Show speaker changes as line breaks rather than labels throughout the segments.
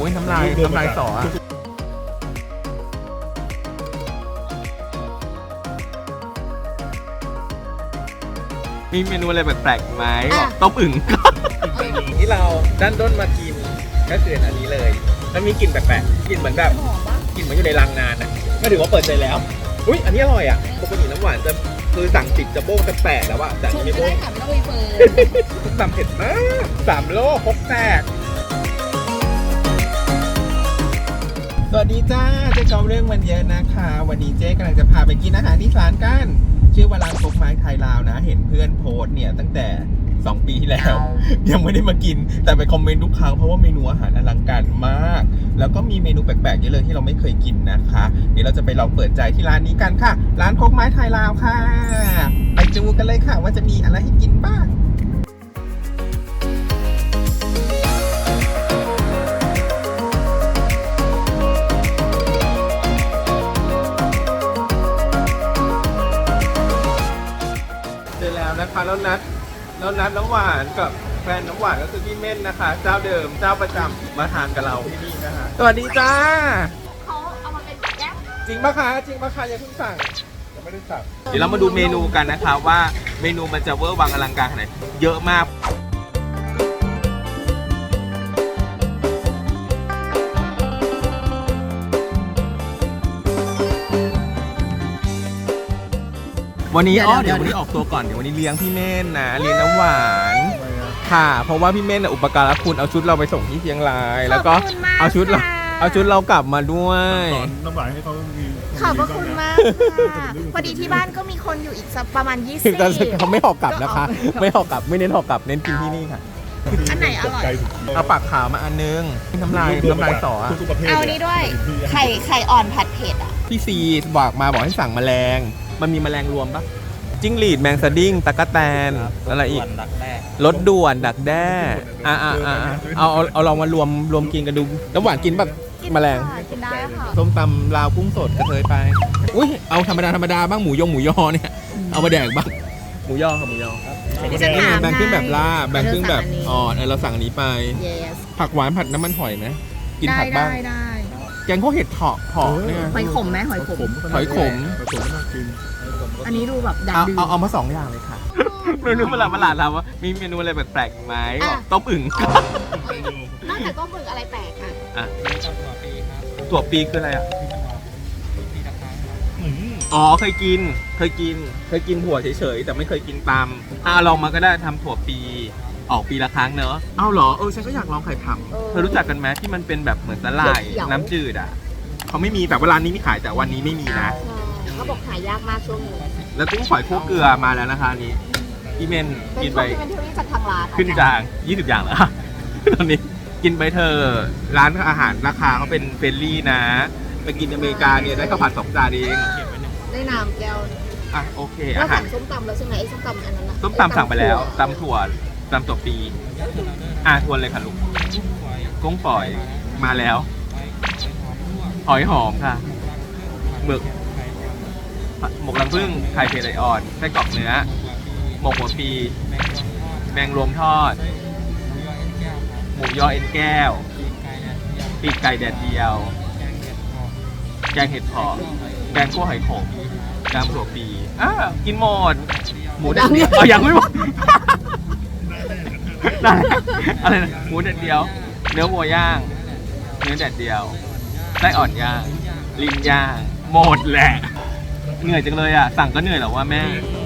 อ้ยน้ำลายสอมีเมนูอะไรแปลกๆไหมต้มอึ่งที่เราด้านด้นมากินก็คืออันนี้เลยแล้วมีกลิ่นแปลกๆกลิ่นเหมือนแบบกลิ่นเหมือนอยู่ในรังนานอ่ะก็ถือว่าเปิดใจแล้วอุ้ยอันนี้อร่อยอ่ะปกติน้ำหวานจะคือสั่งติดจะโบ้งจะแปลกแล้วอะแต่อันนี้ไม่โบ้งส้มตำเผ็ดมาก3 โลพกแตกสวัสดีจ้าเจ๊เกาเรื่องมันเยอะนะคะวันนี้เจ๊กำลังจะพาไปกินอาหารที่ร้านกันชื่อว่าร้านคกไม้ไทยลาวนะเห็นเพื่อนโพสเนี่ยตั้งแต่2 ปีที่แล้วยังไม่ได้มากินแต่ไปคอมเมนต์ทุกครั้งเพราะว่าเมนูอาหารอลังการมากแล้วก็มีเมนูแปลกๆเยอะเลยที่เราไม่เคยกินนะคะเดี๋ยวเราจะไปลองเปิดใจที่ร้านนี้กันค่ะร้านคกไม้ไทยลาวค่ะไปดูกันเลยค่ะว่าจะมีอะไรให้กินบ้างเจอแล้วนะคะแล้วนัดน้ำหวานกับแฟนน้ำหวานก็คือพี่เม่นนะคะเจ้าเดิมเจ้าประจำมาทานกับเราที่นี่นะคะสวัสดีจ้า
เขาเอามาเป็นแก้ว
จริงปะคะอย่าเพิ่งสั่งยังไม่ได้สั่งเดี๋ยวเรามาดูเมนูกันนะคะว่าเมนูมันจะเวอร์วังอลังการขนาดไหนเยอะมากวันนี้เดี๋ยววันนี้ออกตัวก่อนเดี๋ยววันนี้เลี้ยงพี่เม่นนะเลี้ยงน้ำหวานค่ะเพราะว่าพี่เม่นอุปการะคุณเอาชุดเราไปส่งที่เชียงรายแล้วก็เอาชุดเรากลับมาด้วย
น้ำหวานให้เขามี
ขอบพระคุณมากค่ะพอดีที่บ้านก็มีคนอยู่อีกสักประมาณ20
เขาไม่หอกกลับนะคะไม่หอกกลับไม่เน้นหอกกลับเน้นกินที่นี่ค่ะ
อันไหนอร่อย
เอาปากขาวมาอันนึงน้ำลายสอ
เอานี้ด้วยไข่อ่อนผัดเผ็ดอ่ะ
พี่ซีบอกให้สั่งแมลงมันมีแมลงรวมปะจิ้งหรีดแมงสดิ้งตะกั่วแตนอะไรอีกรสด่วนดักแด้เอาลองมารวมกินกันดูน้ำหวานกินแบบแมลง
กินได้ค่ะ
ส้มตำลาวกุ้งสดกระเทยไปอุ้ยเอาธรรมดาบ้างหมูยอเนี่ยเอามาแดกบ้างหมูยอแบ่งครึ่งแบบลาบแบ่งครึ่งแบบอ่อนเราสั่งอันนี้ไปผักหวานผัดน้ำมันหอยไหมกินผักบ้าง
ได้
แกงข้าวเห็ดเผาะเนี่ย
หอยขมไหมหอยขม
น่า
กิน
อันนี้ดูแบบดังดื้อ
เอามา2 อย่างเลยค่ะเมนูประหลาดถามว่ามีเมนูอะไรแปลกๆไหมต้มอึ่ง
นอกจากต้มอึ่งอะไรแปลกอ่ะ
ถั่วปีคืออะไรอ่ะอ๋อเคยกินถั่วเฉยๆแต่ไม่เคยกินตำลองมาก็ได้ทำถั่วปีออกปีละครั้งเนอะเอาเหรอฉันก็อยากลองไข่ผำเธอรู้จักกันไหมที่มันเป็นแบบเหมือนสลายน้ำจืดอ่ะเขาไม่มีแต่เวลานี้มีขายแต่วันนี้ไม่มีนะ
เขาบอกหายากมากช่วงนี้
แล้วกุ้งฝอยคั่วเกลือมาแล้วนะคะนี้พี่เมนกินไป
เป็นเทอรี่จากทางร้าน
ขึ้นจาง20 อย่างแล้วตอนนี้กินไปเธอร้านอาหารราคาเขาเป็นเฟรนลี่นะไปกินอเมริกาเนี่ยได้ข้าวผัด2 จานเอง
ได้น้ำแก้ว
โอเค
อาหารส้มตำแล้วใช่ไหมไอ้ส้มตำอันนั้น
ส้มตำสั่งไปแล้วตำถั่วปีทวนเลยค่ะลูกกุ้งฝอยมาแล้วหอยหอมค่ะหมึกหมกรังผึ้งไข่เผ็ดไหลอ่อนไส้กรอกเนื้อหมกหัวปีแมงรวมทอดหมูยอเอ็นแก้วปีกไก่แดดเดียวแกงเห็ดเผาะแกงคั่วหอยขมแกงถั่วปีกินหมดหมูแดดเดียวยังไม่หมดอะไรนะหมูแดดเดียวเนื้อวัวย่างเนื้อแดดเดียวไส้อ่อนย่างลิ้นย่างหมดแหละเหนื่อยจังเลยอ่ะสั่งก็เหนื่อยหรอว่าแม่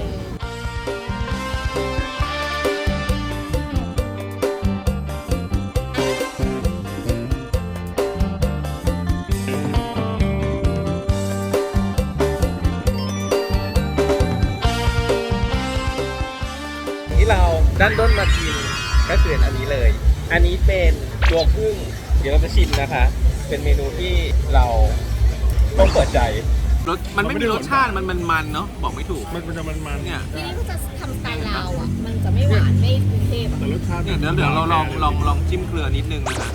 ที่เราด้านต้นมากินก็คืออันนี้เลยอันนี้เป็นตัวพึ่งเดี๋ยวเราจะชิมนะคะเป็นเมนูที่เราต้องเปิดใจมันไม่มีรสชาติมันเนาะบอกไม่ถูก
มันจะมัน
เนี่ย
ทีนี้ก็จะทำสไตล์ลาวอ่ะมันจะไม่หวานไม่กรุงเทพ
แต่รสชาติ
เนี่ยเดี๋ยวเราลองจิ้มเกลือนิดนึงนะฮะ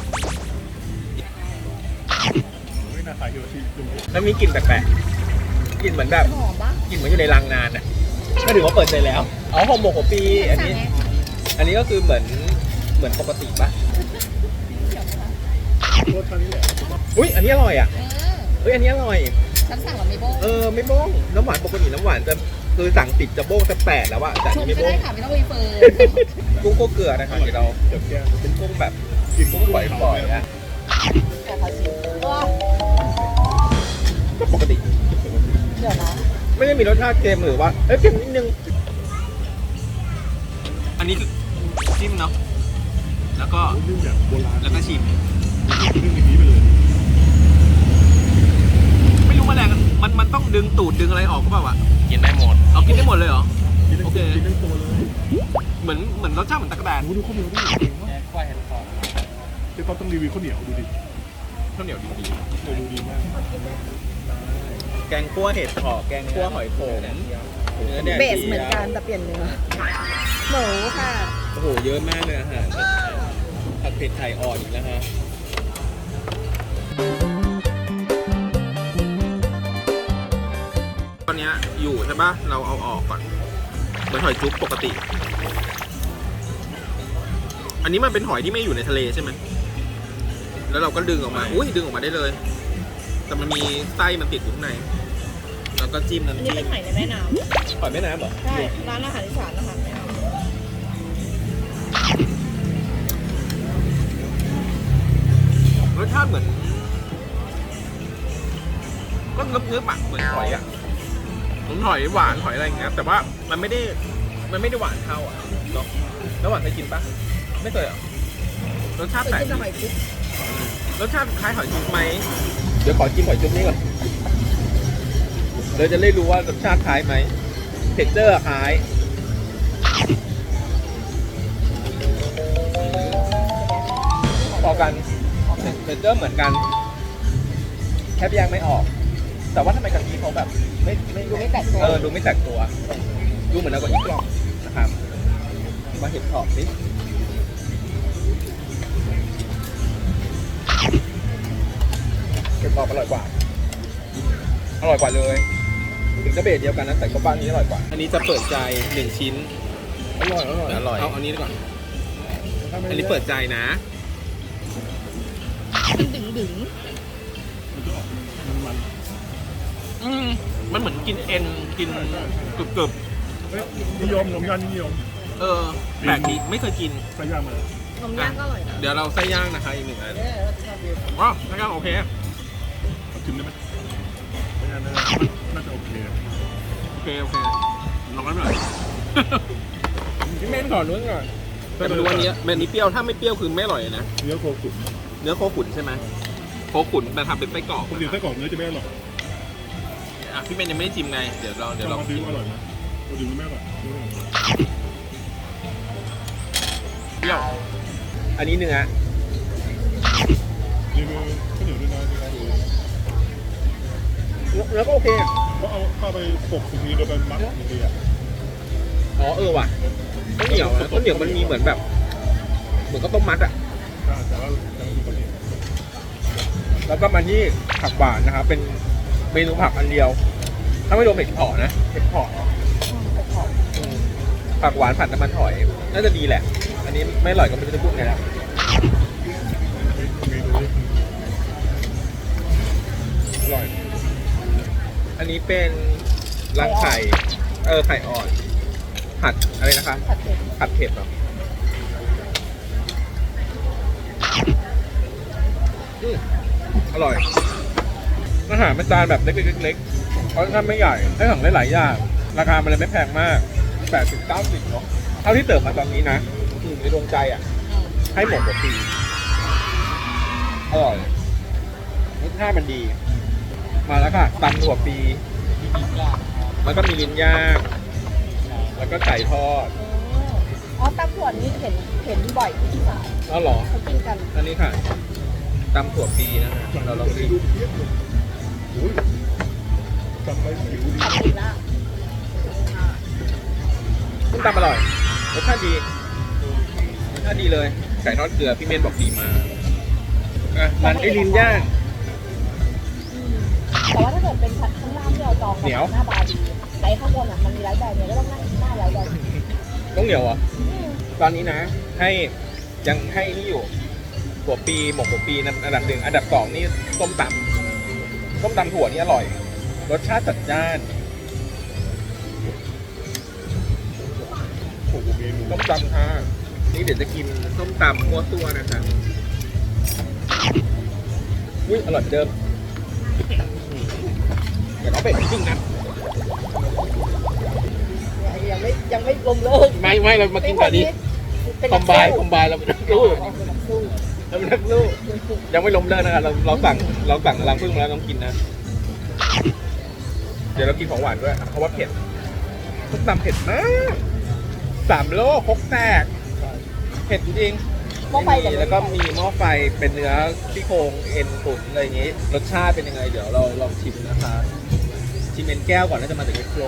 ไม่น่าขายโยชิ
แล้วมีกลิ่นแปลกๆกลิ่นเหมือนแบบกลิ่นเหมือนอยู่ในรังนานอ่ะก็ถือว่าเปิดใจแล้วห่อหมกหัวปีอันนี้ก็คือเหมือนปกติปะ
รสชาตินี้แหละ
อุ้ยอันนี้อร่อยอ่ะเอ้ยอันนี้อร่อย
ฉันสั่งแบบไม่โบ้
ไม่บ้งน้ำหวานปกติน้ำหวานจะคือสั่งติดจะโบ้งจะแปดแล้วอะแต่อัน
ชุบ
นี้ไม่
ก็
โบ้
ได้
ง
ค่ะไม่ต้องมีเฟิร์น
กุ้งโคเกลือนะคะเดี๋ยวเรา
เดี๋ยวแก
เป็นกุ้งแบบ
กิน
กุ้งปล่อยๆนะ
แต่เขาชิม
ก็ปกติ
เดี๋ยวนะ
ไม่ได้มีรสชาติเค็มหรือว่าเค็มนิดนึงอันนี้คือจิ้มเนาะแล้วก็
นึ่งแบบโบราณ
แล้วก็ชิม
นึ่งอย่างนี้ไปเลย
ไม่รู้แมลงมันต้องดึงตูดดึงอะไรออกก็เปล่าวะ
กินได้หมด
เอากินได้หมดเลยเหรอ
กินได้
โอเค
กินได้ตัวเลย
เหมือนรสชาติเหมือนตะกแตน
โอ้ดูข้าวเหนียวดิเก่งมาก
แค่ควายเห็นคอ
เจ๊ต๊อบต้องรีวิวข้าวเหนียวดูดิ
ข้าวเหนียวดี
ดูดีมาก
แกงคั่วเห็ดหอมแกงคั่วหอยโขมเนื้อแดด
เบสเหมือนกันแต่เปลี่ยนเนื้อหมูค่ะ
โอ้โหเยอะมากเลยอาหารผัดเผ็ดไทยอ่อนอีกแล้วฮะตอนนี้อยู่ใช่ปะเราเอาออกก่อนเหมือนหอยจุ๊บปกติ อันนี้มันเป็นหอยที่ไม่อยู่ในทะเลใช่ไหมแล้วเราก็ดึงออกมาอุ้ยดึงออกมาได้เลย แต่มันมีไส้มันติดอยู่ข้างในแล้วก็จิ้ม
อัน
น้ำ
นี้
จิ้
เป็น
ม
หอยในแม่น้
หอยแม่น้ำเหรอ
ำใช่ร้านอาหารอีสานนะคะ
รสชาติเหมือนก็เนื้อปากเหมือนหอยอ่ะเหมือนหอยหวานหอยอะไรอย่างเงี้ยแต่ว่ามันไม่ได้หวานเท่าอ่ะเนาะแล้วหวานเคยกินปะไม่เคยเหรอรสชาติ
เคย
แปลก
กินแต่
ดี
หอยจุ๊บ
รสชาติคล้ายหอยจุ๊บไหมเดี๋ยวขอกินหอยจุ๊บนี่ก่อนเราจะได้รู้ว่ารสชาติคล้ายไหมเท็กเจอร์คล้ายพอกันเท็กเจอร์เหมือนกันแทบแยกไม่ออก แต่ว่าทำไมกะทิเขาแบบไม่
ดูไม่แตกตัว
ดูไม่แตกตัว ดูเหมือนเรากะทิกล่องนะครับมาเห็ดหอมสิเห็ดหอมอร่อยกว่าเลยถึงจะเบสเดียวกันนะแต่ก็บ้านนี้อร่อยกว่า อันนี้จะเปิดใจ1ชิ้น
อร่อย
เอาอันนี้ก่อนอันนี้เปิดใจนะ
มันดึง
มันจะออกมัน
มันเหมือนกินเอ็นกินกรึบ
เฮ้ยนิยมนมย่านนิยม
แปลกดีไม่เคยกิน
ใส่ย่างมา
ๆนมย่างก็อร่อยนะ
เดี๋ยวเราไส้ย่างนะคะอีกหนึ่งอันว้าวไส้ย่างโอเค
ชิมได้ไหมไม่น่าจะโอเค
ลองกันหน่อย พี่เม่นก่อนนู้นก่อนแต่ไม่รู้วันนี้แบบนี้เปรี้ยวถ้าไม่เปรี้ยวคือไม่อร่อยนะ
เนื้อโคขุน
เนื้อโคขุนใช่ไหมโคขุนแต่ทำเป็นไส้กรอก
ปกติไส้กรอกเนื้อจะไม่อร่อย
อ่ะพี่เม่นยังไม่ได้จิ้มไงเดี๋ยวเรา
มาซื้ออร่อยไหมปกติไม่อร่อย
เปรี้ยวอันนี้เนื้อ
รีวิวข้าวเหนียวด้วยนะ
เนื้อก็โอเค
เขาเอาเข้าไปปกทีโดยเป็นมัดทีอ่ะ
อ๋อว่ะข้าวเหนียวนะข้าวเหนียวมันมีเหมือนแบบเหมือนก็ต้มมัดอ่ะ
แต่ว่าจะมีข้าวเหนียว
แล้วก็มาที่ผักหวานนะครับเป็นเมนูผักอันเดียว ถ้าไม่รวมเห็ดเผาะนะเห็ดเผาะผักหวานผัดน้ำมันหอยน่าจะดีแหละ อันนี้ไม่อร่อยก็ไม่รู้จะพูดไงแล้ว
เมนูนี้
อร่อย อันนี้เป็นรังไข่ไข่อ่อนผัดอะไรนะคะ
ผัดเผ็ด
ผัดเผ็ดเหรออร่อยอาหารเป็นจานแบบเล็กๆเพราะถ้าไม่ใหญ่ให้สั่งได้หลายอย่างราคามันเลยไม่แพงมาก80-90เนาะเท่าที่เติมมาตอนนี้นะในดวงใจอ่ะให้หมดกว่าปีอร่อยรสชาติมันดี มาแล้วค่ะตำถั่วปีแล้วก็มีลิ้นย่างแล้วก็ไก่ทอด
อ๋อตำถั่วนี่เห็นบ่อยที่อีสาน
อ๋อเหรอ
เขากินกัน
อันนี้ค่ะตำถั่วปีนะฮะเราลองชิม
โอ้ยจำไปผิวดี
ผัดปีละ
ส้มตำอร่อยรสชาติดีรสชาติดีเลยไก่ทอดเกลือพี่เมนบอกดีมากอ่ะมันไอ้ลิ้นย่าง
แต่ว่าถ้าเกิดเป็นผัดข้างล่างที่เราจอง
เหนียว
หน้าบาร์ดีไอ้ข้างบนอ่ะมันมีไร้แบบเนี่ยก็ต้องหน้าไร้แบบ
ต้องเหนียวเหรอ่ะตอนนี้นะ ให้ยังให้นี่อยู่หัวปีหมกหัวปีนั่นอันดับ 1อันดับ 2นี่ส้มตำถั่วนี่อร่อยรสชาติจัดจ้าน
โอ้โหเมนู
ส้มตำค่ะนี่เดี๋ยวจะกินส้มตำมัวตัวนะคะอุ้ยอร่อยเหมือนเดิมเดี๋ยวเอาเป็ดจริงนะ
ยังไม่ลมเลิก
ไม่เรามากินก่อนดีคอมไบเราเป็นนักสู้เราเป็นนักสู้ยังไม่ล้มเลิกนะครับเราสั่งรังผึ้งมาแล้วต้องกินนะ เดี๋ยวเรากินของหวานด้วยเพราะว่าเผ็ดส้มตำเผ็ดมาก3 โลครกแตกเผ็ดจริง
หม้อไฟกับ
แล้วก็มีหม้อไฟเป็นเนื้อซี่โครงเอ็นตุ๋นอะไรอย่างงี้รสชาติเป็นยังไงเดี๋ยวเราลองชิมนะคะชิมเอ็นแก้วก่อนน่าจะมาจากเอ็กโปร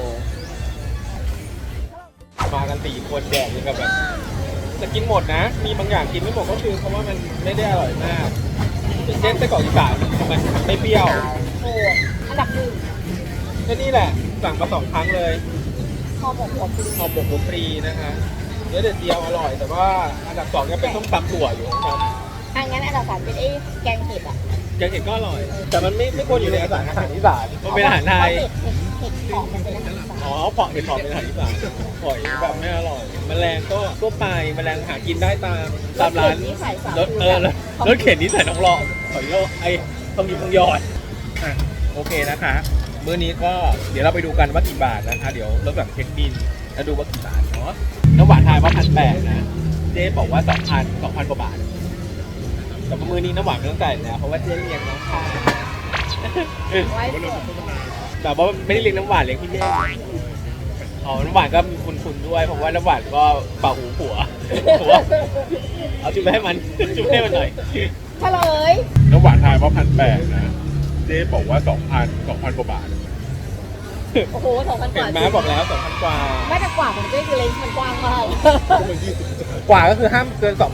มากัน4 คนแดกยังกับแบบจะกินหมดนะ มีบางอย่างกินไม่หมดก็คือเพราะว่ามันไม่ได้อร่อยมากอย่างเช่นไส้กรอกอีสานมันไม่เปรี้ยว
โอ้อันดับ 1
ก็นี่แหละสั่งมา2 ครั้งเลย
ห่อหมกหัวปลี
หอมหมกหัวปรีนะคะเนื้อเด็ดเดียวอร่อย แต่ว่าอันดับ 2เนี่ยเป็นส้มตำถั่วอยู่นะครับ
งั้นอันดับ 3เป็นแกงเห็ดอ่ะ
แกงเห็ดก็อร่อย แต่มันไม่ควรอยู่ในอาหารอีสานมันเป็นอาหารไทย
เห็ดหอมมันเป็นอาหารอีสาน
อ๋อเผาะเห็ดหอมเป็นอาหารอีสานหอยแบบไม่อร่อยแมลงก็ทั่วไปแมลงหากินได้ตามร้าน
ที่ใส่สาร
รถเข็นนี่ใส่น้องหลอดหอยโลไอ้ทองหยิบทองหยอดอ่ะโอเคนะคะ มื้อนี้ก็เดี๋ยวเราไปดูกันว่ากี่บาทนะคะ เดี๋ยวเราแบบเช็คบินแล้วดูว่ากี่บาทเนาะน้ำหวานทายว่า1,800นะเจ๊บอกว่า2,000กว่าบาทแต่มื้อนี้น้ำหวานไม่ต้องจ่ายแล้วเพราะว่าเจ๊เลี้ยงน้องค่ะ
ไว้สด
แต่ว่าไม่ได้เลี้ยงน้ำหวานเลี้ยงพี่เม่อ๋อน้ำหวานก็มีคุณด้วยเพราะว่าน้ำหวานก็เป่าหูผัวเอาจุ๊บให้มันจุ๊บให้มันหน่อย
เฉลย
น้ำหวานทายว่า1,800นะเจ๊บอกว่า2,000กว่าบาท
โอ้โห2,000 ก
เห็น
ว่า
ไหมบอกแล้ว2,000 กว่า
ไม่แต่กว่าของเจ๊คือเลนส์มันกว้างมาก
กว่าก็คือห้ามเกิน 2,300
2,200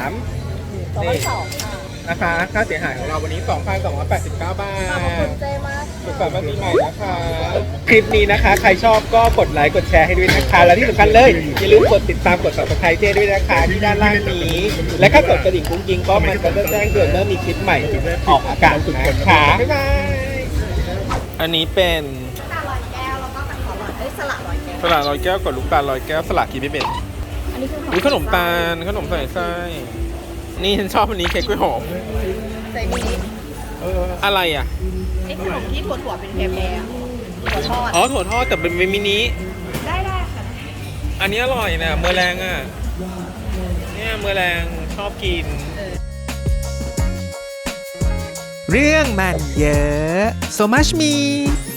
ค่ะ
นะคะค่าเสียหายของเราวันนี้ 2,289 บาท
ขอบคุณเจ๊มาก
สุขสันต์วันปีใหม่นะคะ คลิปนี้นะคะ ใครชอบก็กดไลค์กดแชร์ให้ด้วยนะคะ และที่สำคัญเลย อย่าลืมกดติดตามกด subscribe เจ้ด้วยนะคะ ที่ด้านล่างนี้ และถ้ากดกระดิ่งกุ้งยิงก็มันจะแจ้งเตือนเมื่อมีคลิปใหม่ออกอากาศนะคะบ๊ายบายอันนี้เป็น
ตาลอยแก้วแล้วก็กระถอนลอยสละลอยแก้ว
สลัดลอยแก้วกับลูกตาลลอยแก้วสลัดกินไม่เป็น
อันนี้คือ
อุ้ยขนมตาลขนมใส่ไส้นี่ฉันชอบอันนี้เค้กกล้วยหอม
ใส่มินิ
อะไรอ่ะ
ไอ้ขนมที่ถั่วเป็นแพรๆถั่วทอด
อ๋อถั่วทอดแต่เป็นมินิ
ได้ค่ะ
อันนี้อร่อยนะเมอแรงอ่ะเนี่ยเมอแรงชอบกิน
เรื่องมันเยอะ so much me